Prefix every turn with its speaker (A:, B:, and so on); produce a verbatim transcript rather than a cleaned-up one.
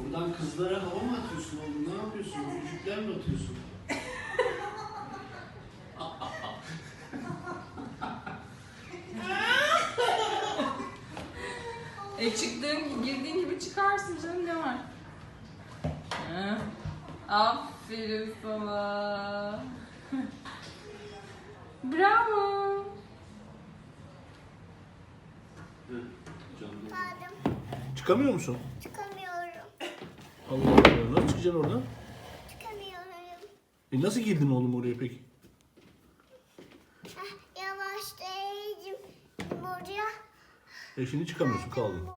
A: Buradan kızlara hava mı atıyorsun oğlum? Ne yapıyorsun? Öpücükler mi atıyorsun?
B: E çıktığın, girdiğin gibi çıkarsın canım, ne var? Ha. Aferin sana. Bravo.
C: Pardon.
A: Çıkamıyor musun?
C: Çıkamıyorum.
A: Allah Allah. Nasıl çıkacaksın oradan?
C: Çıkamıyorum.
A: E nasıl girdin oğlum oraya peki?
C: Heh, yavaşlayayım buraya.
A: E şimdi çıkamıyorsun, kaldın.